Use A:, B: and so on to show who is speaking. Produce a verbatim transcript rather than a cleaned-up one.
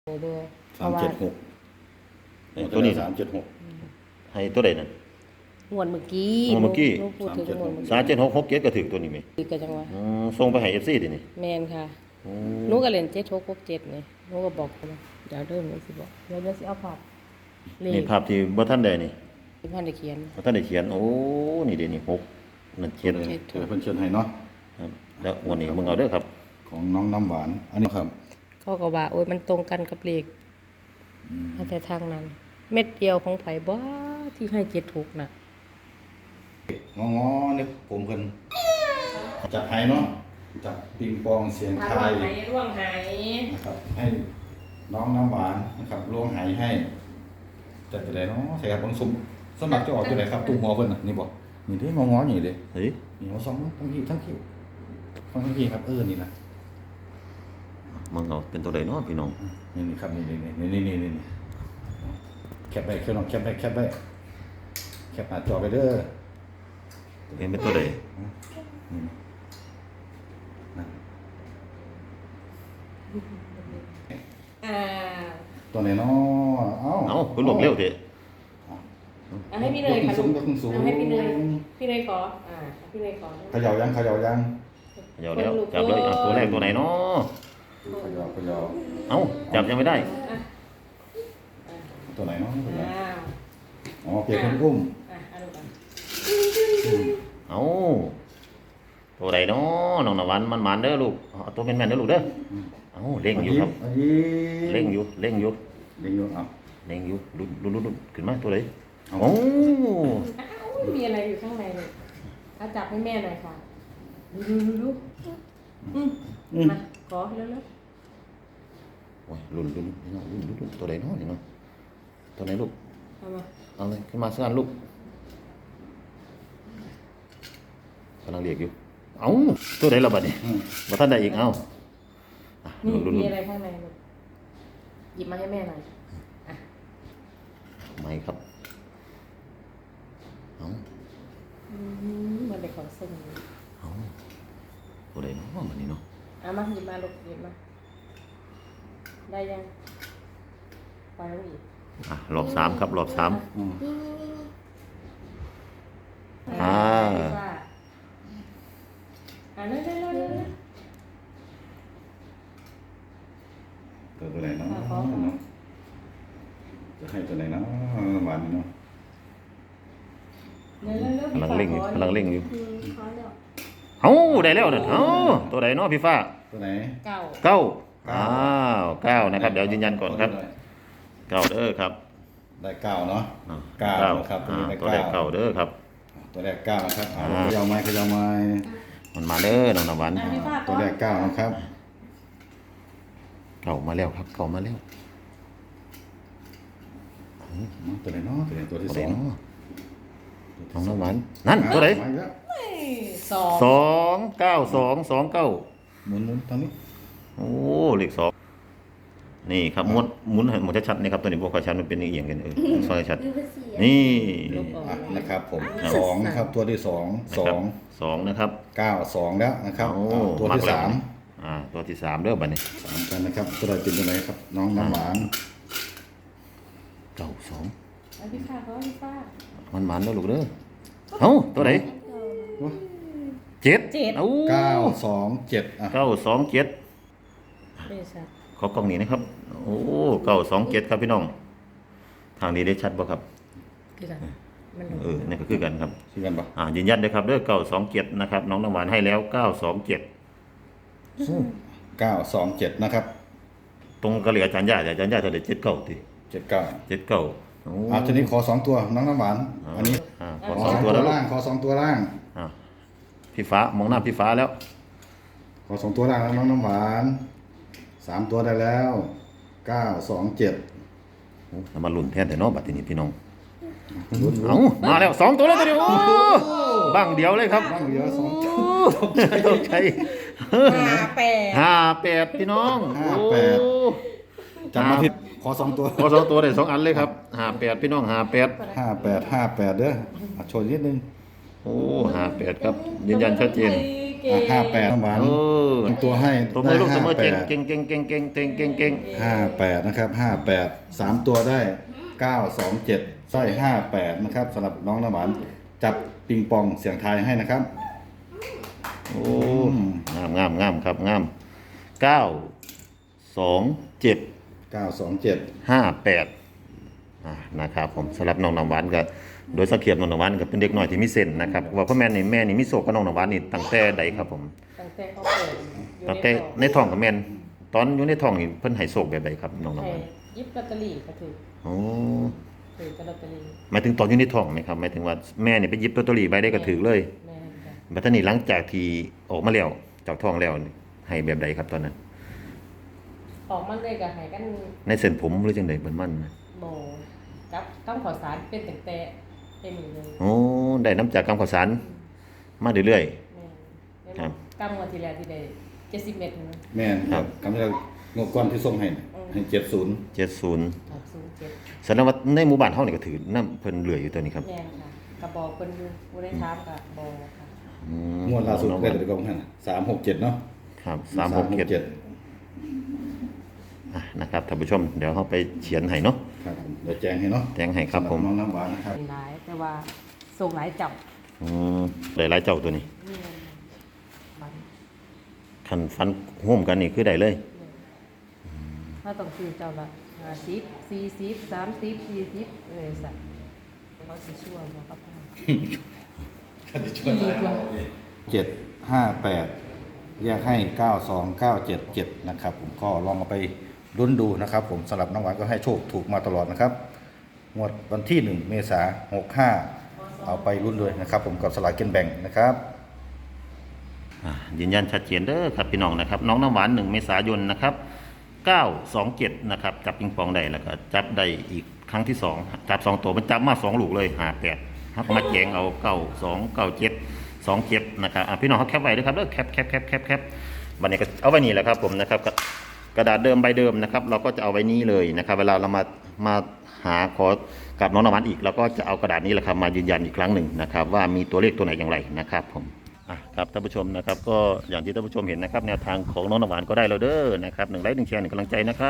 A: เบอร์เพ
B: สาม
A: ราะว่า
B: เจ็ดหก
C: ตัวนี้
B: สามเจ็ดหก
C: ให้ตัวใดนั่น
A: งวดเมื่อกี้
C: งวดเมื่อกี้
A: หนูพูดถึงงวดเมื่อ
C: สามเจ็ดหกหกเจ็ดก็ถึงตัวนี้ไหม
A: กี้ก็จังว่า
C: อืมส่งไปให้ เอฟ ซี ดินี่
A: แมนค่ะ
C: อืม
A: หนูก็เล่นเจ็ดหกหกเจ็ดนี่หนูก็บอกเขาว่าเดี๋ยวเริ่มเลยสิบอกเดี๋ยวเดี๋ยวสิเอาภาพเล
C: นี่
A: ข
C: ภาพที่บ่ทันได้นี่
A: ที่พันได้เขียน
C: บ่ทันได้เขียนโอ้นี่เด้นี่หกนั่นเจ็ด
B: เดี๋ยวเพิ่นเชิญให้เนาะ
C: ครับแล้ววันนี้มึงเอาเด้อครับ
B: ของน้องน้ำหวาน อันนี้ครับ
A: เขาก็ว่าโอ้ยมันตรงกันกับเลขแต่ทางนั้น เม็ดเดียวของไผบ้าที่ให้เจ็ดถูกน่ะ
B: งองอนึกผมเพิ่นจัดให้เนาะจับปิงปองเสียงทาย
A: ร่วงหาย
B: นะครับ ให้น้องน้ำหวานนะครับล้วงไหให้จัดไปเลยเนาะใส่ครับบางสมสมัครจะออกตัวไหนครับตุ้งหัวเพิ่นน่ะนี่บ่นี่เด้งองอนี่เด้
C: เฮ้ย
B: นี่หัวสองทั้งพี่ทั้งคิ้วทั้งพี่ครับเออนี่นะ
C: มึงเอาเป็นตัวใดเนาะพี่น้อง
B: นี่นี่ครับนี่นี่นี่นี่นี่นี่แคปไปแคปลองแคปไปแคปไปแคปหน้าจอไปเด้อ
C: เห็นเป็นตัวใด
B: นี่นะ
A: อ่า
B: ตัวไหนเนาะเอ้า
C: เอ้าคุณบอกเร็วเถอะ
A: เอาให้พี่เนยค่ะ
B: สูงยกขึ้นสูง
A: เอาให้พี่เนยพี่เนยขออ่าพี่เนยขอ
B: เขย่ายังเขย่ายัง
C: เดี๋ยวแล้วจับเลยอ่ะตัวแรกตัวไหนเนาะ
B: เขย่าเขย่า
C: เอ้าจับยังไม่ได้
A: อ่ะ
B: ตัวไหนเนาะเขย่า
A: อ้าว
B: อ๋อเปียกคนอุ้ม
A: อ่ะเอาดูกัน
C: เอ้าตัวใดเนาะน้องนวันมันมันๆเด้อลูกเอาตัวแม่นๆเด้อลูกเด้อเอ้าเล่งอยู่ครับ
B: อันนี้
C: เล่งอยู่เล่งอยู่
B: เล่งอยู่เอ้า
C: เล่งอยู่ลุ้นลุ้นลุ้นขึ้นมาตัวไหน
B: เอา
C: โอ้
A: อ้าวมีอะไรอยู่ข้างในเลยเอาจับให้แม่หน่อยค่ะดูดูดูดูอืม
B: อืม
A: มาขอเร็ว
C: โอ้ยลุ้นลุ้นลุ้นลุ้นลุ้นตัวไหนเนาะนี่เนาะตัวไหนลูก
A: ๆเอามา
C: เอาเลยขึ้นมาสักอันลูกกำลังเรียกอยู่เอ้าตัวไหนละบัดนี้
B: อืม
C: มาท่านใดอีกเอ้าอ่ะ
A: นี่
C: ลุ้นลุ้น
A: มี
C: ลุ้น
A: อะไรข้างในลูกหยิบมาให้แม่หน่อยอ่ะ
C: ไม่ครับเอ้า
A: อืมมันเป็นของเส้นนี้
C: เอ้าตัวไหนเนาะบัดนี้เนาะ
A: เอามาหยิบมาลูกหยิบมาได้ยังไปแล้วอีก
C: อ่ะรอบสามครับรอบสาม
B: อืม
C: อ่า
A: อ่าเร็วเร็วเร็วเร็วเร็ว
B: ตัวตัวไหนเนาะ
A: อ่ะขอขอ
B: เนาะจะให้ตัวไหนเนาะหวานเนาะ
A: เร็วเร็วเร็ว
C: กำลังเร่งอยู่กำลังเร่งอยู่
A: อืมขอแล้ว
C: เอ้าได้แล้วนั่นเอ้าตัวไหนเนาะพี่ฟ้า
B: ตัวไหน
A: เก้า
C: เก้าอ้าวเก้านะครับเดี๋ยวยืนยันก่อนครับเก้าเด้อครับ
B: ได้เก้าเนาะ
C: อ่ะ
B: เก้า
C: เก้า
B: ครับตัว
C: อ่า
B: นี้ได้
C: ตัวแรก
B: เก้า
C: เก้าเด้อครับ
B: ตัวแรกเก้านะครับเอา
C: อ่า
B: เขย่าไม้เขย่าไม้
C: มันมาเด้อน้องนวัน
A: อ่ะพี่ฟ้า
B: ตัวแรกเก้านะครับ
C: เก้ามาแล้วครับเก้ามาแล้ว
B: ตัวไหนเนาะตัวไหนตัวที่
C: ตัว
B: ส
C: ไหน
B: อง
C: เนาะน้องนวันนั่นตัวไหน
B: มาอีกแล้ว
A: สอง
C: สองเก้าสองสองเก้า
B: หมุนหมุนทางนี้
C: โอ้เลขสองนี่ครับหมุนหมุนให้หมุนชัดๆนี่ครับตัวนี้บอกว่าชัดมันเป็นเอียงกันเออซอยชัดนี่
A: ลูกออก
B: อ่ะนะครับผม
C: ครับ
B: สองนะครับตัวที่สองสอง
C: สองนะครับ
B: เก้าสองแล้วนะครับ
C: โอ้
B: อ่าตัวที่
C: กแล้ว
B: สาม
C: อ่าตัวที่สามเด้อบัดนี้
B: สามกันนะครับตัวใดเป็นตัวไหนครับ น้องน้ำหวาน
C: เก้าสอง
A: อ่ะพี่ฟ้าเขาพี่ฟ้า
C: มันมันเด้อลูกเด้อเอ้าตัวไหนเจ็ด
A: เจ็ด
C: เอ้า
B: เก้าสองเจ็ดอ่ะ
C: เก้าสองเจ็ด
A: เดชัด
C: ขอกล้องนี้นะครับ โอ้เก้าสองเจ็ดครับพี่น้อง ทางนี้ได้ชัดบ่ครับ
A: คือกันมัน
C: เออนี่ก็คือกันครับ
B: ชื่อกันปะ
C: อ่ายืนยันเลยครับเด้อเก้าสองเจ็ดนะครับ น้องน้ำหวานให้แล้วเก้าสองเจ็ด
B: เก้าสองเจ็ดนะครับ
C: ตรงกะเหลี่ยอาจารย์ย่าอาจารย์ย่าเท่าไหร่เจ็ดเก้าที
B: เจ็ดเก้า
C: เจ็ดเก้าโอ้
B: อ่ะทีนี้ขอสองตัวน้องน้ำหวานอันนี้
C: อ่าข
B: ข
C: อ
B: อ
C: ส
B: ส
C: อ
B: อง ง
C: ตั
B: ตัว ว
C: แล้วลูก
B: ล่างขอสองตัวล่าง
C: อ่าพี่ฟ้ามองหน้าพี่ฟ้าแล้ว
B: ขอสองตัวล่างแล้วน้องน้ำหวานสามตัวได้แล้วเก้าสองเจ็ด
C: โอ้น้ำมันหลุ่นแทนแต่เนอกบัดทีนี้พี่น้อง
B: ลุ้น
C: เอ้ามาแล้วสองตัวแล้วตัวเดียวโอ้บังเดียวเลยครับ
B: บ้างเดียวสอง
C: โอ้ตกใจ
A: ห้าแปด
C: ห้าแปดพี่น้อง
B: ห้าแปด
C: โอ้
B: จำมาผิดขอสองตัว
C: ขอสองตัวได้สองอันเลยครับห้าแปดพี่น้องห้าแปด
B: ห้าแปดห้าแปดเด้ออ่ะโชว์นิดนึง
C: โอ้ห้าแปดครับยืนยันชัดเจน
A: ขเก่ง
B: ห้าแปดน้ำหวาน
C: โอ้
B: ตัวให้
C: ตัวมือลูกตัวมือ
B: ได้
C: เก่ง
B: ห้าแปด
C: เก่งเก่งเก่งเก่งเก่งเก่งเก่ง
B: ห้าแปดนะครับห้าแปดสามตัวได้เก้าสองเจ็ดไส้ห้าแปดนะครับสำหรับน้องน้ำหวานจับปิงปองเสียงทายให้นะครับ
C: โอ้งามงามงามครับงามเก้าสองเจ็ด
B: เก้าสองเจ็ด
C: ห้าแปดอ่านะครับผมสำหรับน้องน้ำหวานก็โดยสังเกตน้องน้ำหวานก็เป็นเด็กหน่อยที่มีเส้นนะครับว่าพ่อแม่นี่แม่นี่มีโศกกับน้องน้ำหวานนี่ตั้งแต่ใดครับผม
A: ตั้งแต่เขาเปิดอยู่
C: ตั้งแต่ในท้องกับแม่นตอนอยู่ในท้องนี่เพิ่นให้โศกแบบใดครับน้องน้ำห
A: ให้
C: วาน
A: ยิบลอตเตอรี่ก็ถือ
C: โอ้
A: ถือกับลอตเตอรี่
C: หมายถึงตอนอยู่ในท้องไหมครับหมายถึงว่าแม่นี่ไปหยิบลอตเตอรี่ใบได้ก็ถือเลย
A: แม่นจ้ะ
C: บัดนี้หลังจากที่ออกมาแล้วจากท้องแล้วนี่ให้แบบใดครับตอนนั้น
A: ออกมันเลยก็ให้กัน
C: ในเส้นผมหรือจังได๋เบิ่นมันนะ
A: โบกับต้องขอสารเป็นตั้งแต่เป็นอยู่เลย
C: โอ้ได้น้ำจากกำข้าวสารมาเรื่อย
A: แม่น
C: ครับ
A: กำงวดที่แล้วที่ได้เจ็ดสิบเมตรนะ
B: แม่นครับคำแรกงบก้อนที่ส่งให้น่ะให้เจ็ดศูนย์
C: ๆเจ็ดสิบ
A: หกศูนย์เจ็ด
C: แสดงว่าในหมู่บ้านเฮานี่ก็ถือน้ำเพิ่นเหลืออยู่ตัวนี้ครับ
A: แม่นค่ะกระบอกเพิ่นอยู่บ่ได้ถามกับบอค่ะ
C: อืม
B: งวดล่าสุดได้แต่กองให้สามหกเจ็ดเนาะ
C: ครับสามหกเจ็ดอ่ะนะครับท่านผู้ชมเดี๋ยวเฮาไปเขียนให้เนาะ
B: ครับผมเดี๋ยวแจ้งให้เนาะ
C: แจ้งให้ครับผม
B: สำหน้องน้ำหวานนะครับ
A: เป็นหลายแต่ว่าส่งหลายจับ
C: อืมได้หลายเจ้าตัวนี้
A: นี่มัน
C: คันฟันร่วมกันนี่คือได้เลย
A: ถ้าต้องซื้อเจ้าละห้าสิบสี่สิบสามสิบสี่สิบเลยสัตว์เขาสิชั่วบ่ครับพ่อ
B: เจ็ดห้าแปดแยกให้เก้าสองเก้าเจ็ดเจ็ดนะครับผมก็ลองเอาไปลุ้นดูนะครับผมสำหรับน้องหวานก็ให้โชคถูกมาตลอดนะครับงวดวันที่หนึ่งเมษาหกห้าเอาไปลุ้นด้วยนะครับผมกับสลากกินแบ่งนะครับ
C: อ่ายืนยันชัดเจนเด้อครับพี่น้องนะครับน้องน้ำหวานหนึ่งเมษายนนะครับเก้าสองเจ็ดนะครับจับปิงปองได้แล้วก็จับได้อีกครั้งที่สองจับสองตัวมันจับมาสองลูกเลยหาแปดครับมาแจงเอาเก้าสองเก้าเจ็ดสองเจ็ดนะครับอ่ะพี่น้องเขาแคปไว้ด้วยครับเด้อแคปแคปแคปแคปแคปวันนี้ก็เอาไว้นี่แหละครับผมนะครับกระกระดาษเดิมใบเดิมนะครับเราก็จะเอาไว้นี้เลยนะครับเวลาเรามามาหาขอกับน้องน้ำหวานอีกเราก็จะเอากระดาษนี้แหละครับมายืนยันอีกครั้งหนึ่งนะครับว่ามีตัวเลขตัวไหนอย่างไรนะครับผม อ่ะครับท่านผู้ชมนะครับก็อย่างที่ท่านผู้ชมเห็นนะครับแนวทางของน้องน้ำหวานก็ได้แล้วเด้อนะครับหนึ่งไลค์หนึ่งแชร์หนึ่งกำลังใจนะครับ